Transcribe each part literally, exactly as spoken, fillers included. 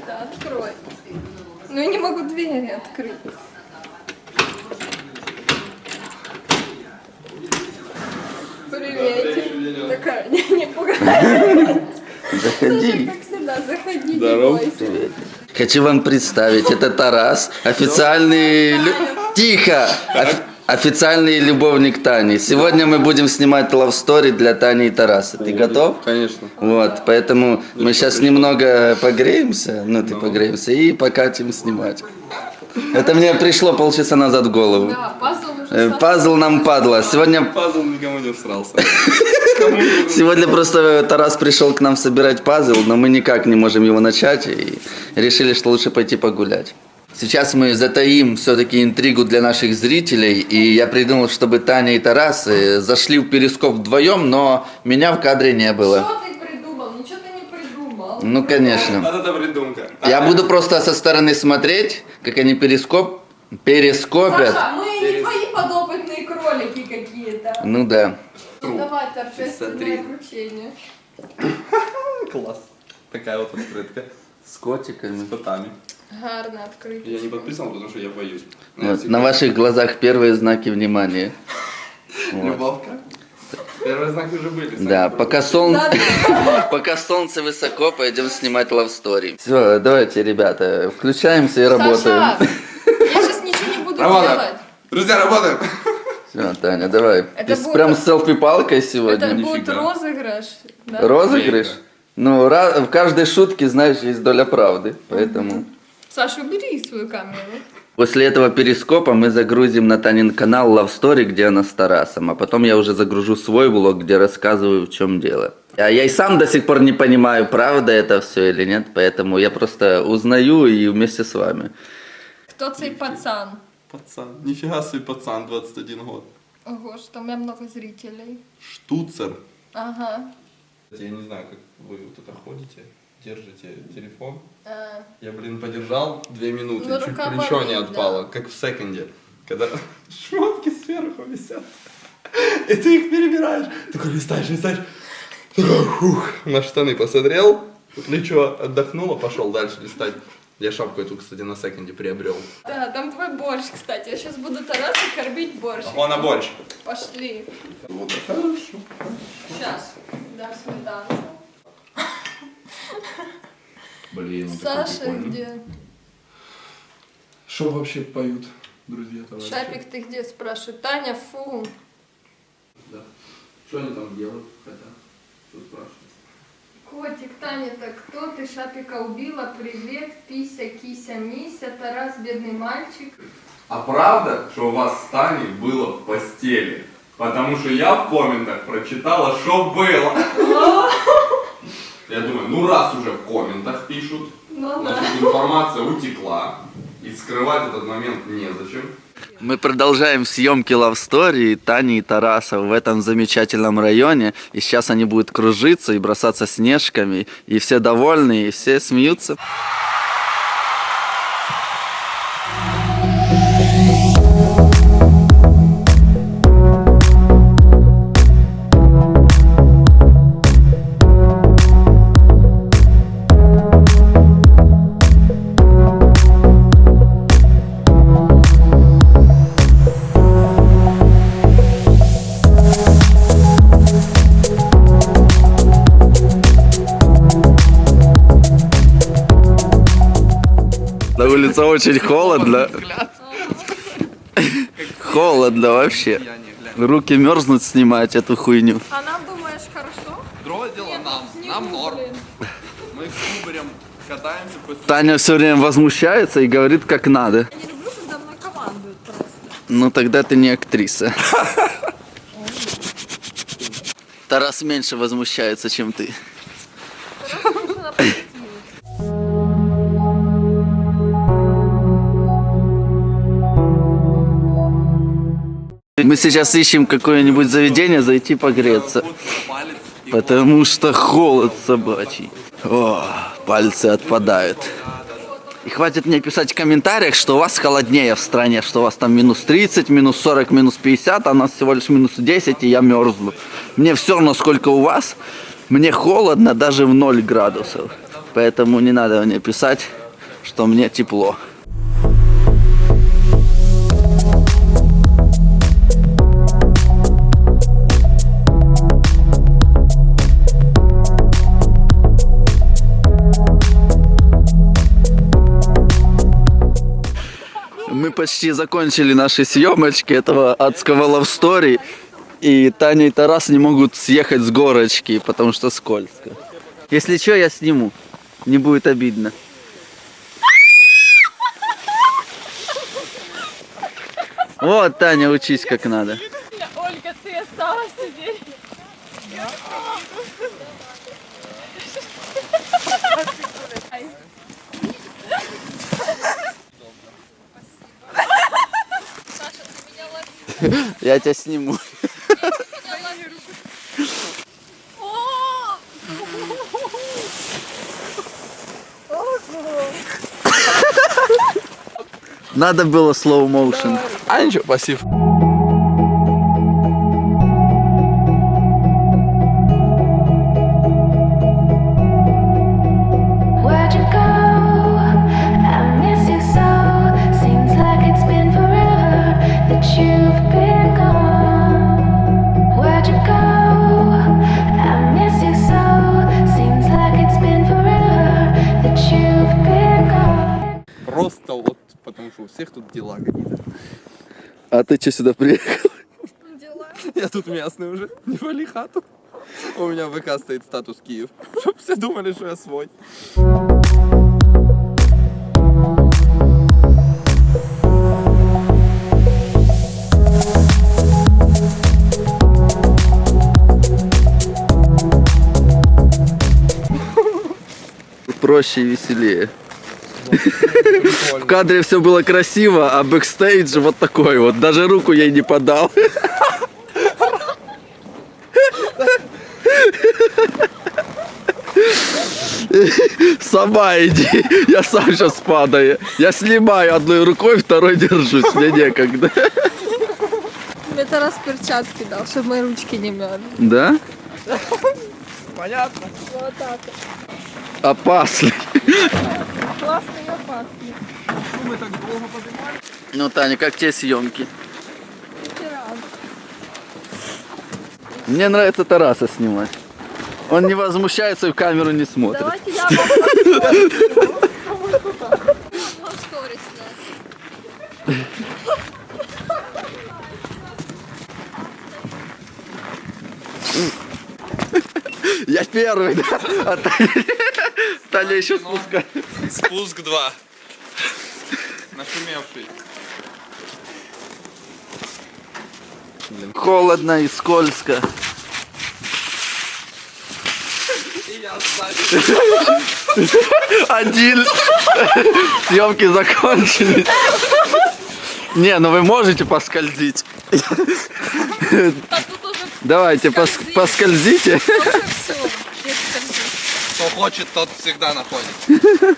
это, открой. Ну я не могу двери открыть. Приветик. Такая, не, не пугай. Заходи. Как всегда, заходи, Здорово. не бойся. Хочу вам представить, это Тарас, официальный... лю- Тихо! Оф- Официальный любовник Тани. Сегодня мы будем снимать love story для Тани и Тараса. Ты готов? Конечно. Вот, поэтому мы сейчас немного погреемся, ну ты погреемся, и покатим снимать. Это мне пришло полчаса назад в голову. Да, пазл уже Э, сам- Пазл нам падла. Сегодня, Пазл никому не всрался. сегодня просто Тарас пришел к нам собирать пазл, но мы никак не можем его начать и решили, что лучше пойти погулять. Сейчас мы затаим все-таки интригу для наших зрителей, и я придумал, чтобы Таня и Тарас э, зашли в перископ вдвоем, но меня в кадре не было. Что ты придумал? Ничего ты не придумал. Ну, конечно. Вот это придумка. Я буду просто со стороны смотреть, как они перископ, перископят. Саша, мы не твои подопытные кролики какие-то. Ну да. Ну, давай, Смотри. торжественное вручение. Класс. Такая вот открытка. С котиками. С котами. Гарно открытие. Я не подписал, потому что я боюсь. Вот, на ваших глазах первые знаки внимания. Вот. Любовка. Первые знаки уже были. Да, пока, сон... Да, пока солнце высоко, пойдем снимать love story. Все, давайте, ребята, включаемся и работаем. Саша, я сейчас ничего не буду Работаем. делать. Друзья, работаем. Все, Таня, давай. Это Ты будет- прям с селфи-палкой сегодня. Это будет нифига. розыгрыш. Да? Розыгрыш? Ну, ра- в каждой шутке, знаешь, есть доля правды, поэтому... Саша, убери свою камеру. После этого перископа мы загрузим на Танин канал Love Story, где она с Тарасом, а потом я уже загружу свой влог, где рассказываю, в чем дело. А я и сам до сих пор не понимаю, правда это все или нет, поэтому я просто узнаю и вместе с вами. Кто цей пацан? Пацан. Нифига себе пацан, двадцать один год. Ого, что у меня много зрителей. Штуцер. Ага. Я не знаю, как вы вот это ходите, держите телефон. А, Я, блин, подержал две минуты, Ну, чуть рука плечо не болит, отпало, как в секонде, когда шмотки сверху висят, и ты их перебираешь, такой листаешь, листаешь, такой, фух, на штаны посмотрел, плечо отдохнуло, пошел дальше листать. Я шапку эту, кстати, на секонде приобрел. да, там твой борщ, кстати. Я сейчас буду Тараса кормить борщ. Ого, на борщ. Пошли. Вот это хорошо. Сейчас. Дам сметанку. Блин, Саша где? Что вообще поют, друзья, товарищи? Шапик, ты где, спрашиваю? Таня, фу. Да. Что они там делают, хотят? Что спрашивают? Котик, Таня, так кто ты Шапика убила? Привет, Пися, Кися, Мися, Тарас, бедный мальчик. А правда, что у вас с Таней было в постели? Потому что я в комментах прочитала, что было. Я думаю, ну раз уже в комментах пишут, Ну да. значит информация утекла. И скрывать этот момент незачем. Мы продолжаем съемки Love Story Тани и Тараса в этом замечательном районе. И сейчас они будут кружиться и бросаться снежками. И все довольны, и все смеются. На улице очень холодно. Холодно вообще. Руки мерзнут снимать эту хуйню. А нам, думаешь, хорошо? Другое дело нам, нам норм. Блин. Мы с Кубарем катаемся после... Таня все время возмущается и говорит, как надо. Я не люблю, когда мной командуют просто. Ну тогда ты не актриса. Тарас меньше возмущается, чем ты. Тарас больше на позитиве. Мы сейчас ищем какое-нибудь заведение, зайти погреться. Палец и Потому что холод собачий. О, пальцы отпадают. И хватит мне писать в комментариях, что у вас холоднее в стране, что у вас там минус тридцать, минус сорок, минус пятьдесят, а у нас всего лишь минус десять, и я мерзну. Мне все равно, сколько у вас. Мне холодно даже в ноль градусов. Поэтому не надо мне писать. что мне тепло. Мы почти закончили наши съемочки этого адского love story. И Таня и Тарас не могут съехать с горочки, потому что скользко. Если что, я сниму. Не будет обидно. Вот, Таня, учись как надо. Ольга, ты осталась сидеть. Я тебя сниму. Надо было slow motion. А ничего, пассив. Where'd you go? I miss you so. Seems like it's been forever that you've been gone. Where'd you go? I miss you so. Seems like it's been forever that you've been gone. Просто вот потому что у всех тут дела какие-то. А ты что сюда приехал? Я тут местный уже, не вали хату. У меня в ВК стоит статус Киев, чтоб все думали, что я свой. Проще и веселее. В кадре все было красиво, а бэкстейдж вот такой вот. Даже руку ей не подал. Сама иди, я сам сейчас падаю. Я снимаю одной рукой, второй держусь, мне некогда. Мне Тарас перчатки дал, чтобы мои ручки не мерзли. Да? Понятно. Вот так. Опасный. Классный и опасный. Мы так долго поднимали. Ну, Таня, как тебе съемки? Мне нравится Тараса снимать. Он не возмущается и в камеру не смотрит. Давайте я вам посмотрю. Вам сторис, да. Я первый, да? А Таня, Таня еще спускает. Спуск два. Нашумевший. Холодно и скользко. И я сзади. Один. Съемки закончились. Не, ну вы можете поскользить. Давайте, пос поскользите. Кто хочет, тот всегда находит.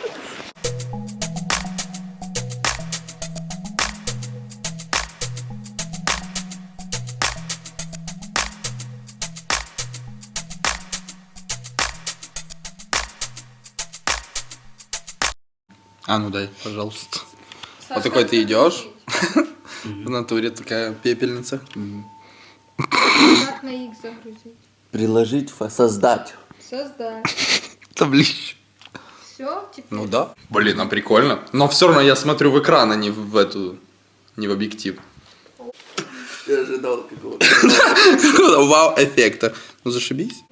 А ну дай, пожалуйста. Вот такой ты идешь. В натуре такая пепельница. Как на X загрузить? Приложить, создать. Создать. Таблище. Все, теперь. Ну да. Блин, а прикольно. Но все равно я смотрю в экран, а не в эту, не в объектив. Я ожидал какого-то. Вау-эффекта. Ну зашибись.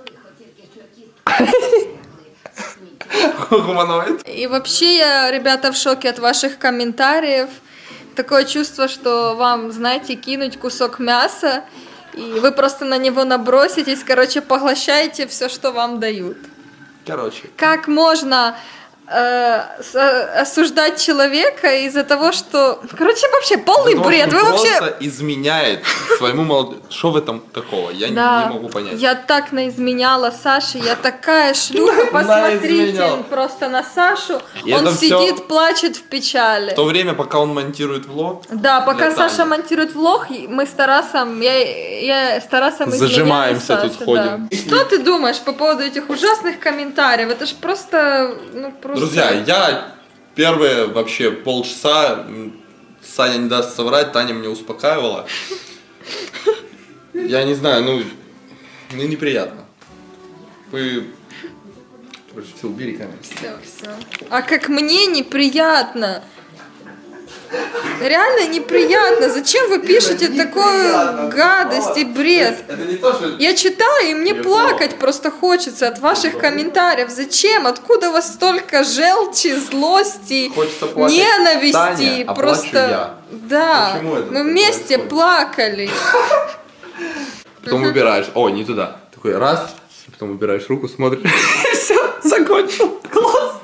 Гуманоид. И вообще я, ребята, в шоке от ваших комментариев. Такое чувство, что вам, знаете, кинуть кусок мяса, и вы просто на него наброситесь, короче, поглощаете все, что вам дают. Короче. Как можно э, с- осуждать человека из-за того, что... Короче, вообще полный Потому бред. что Вы вообще... просто изменяет своему молодому... Что в этом такого? Я не- Да, не могу понять. я так наизменяла Саше, я такая шлюха, посмотрите Наизменял. просто на Сашу, И он это сидит, всё- плачет в печали. В то время, пока он монтирует влог, Да, пока для Саша Тани. монтирует влог, мы с Тарасом, я, я с Тарасом изменяю Зажимаемся тут, Саше, ходим. да. Что ты думаешь по поводу этих ужасных комментариев? Это ж просто, ну просто... Друзья, я первые вообще полчаса, м, Саня не даст соврать, Таня меня успокаивала. Я не знаю, ну, мне неприятно. Вы... Короче, все, убери камеру. Все, все. А как мне неприятно. Реально неприятно. Зачем вы пишете такую гадость и бред? Это не то, что... Я читаю, и мне плакать просто хочется от ваших комментариев. Зачем? Откуда у вас столько желчи, злости, Хочется плакать ненависти? Таня, а Просто плачу я. да, Почему это мы так вместе происходит? плакали. Потом убираешь. О, не туда. Такой раз, потом убираешь руку, смотришь. Все, закончил. Класс.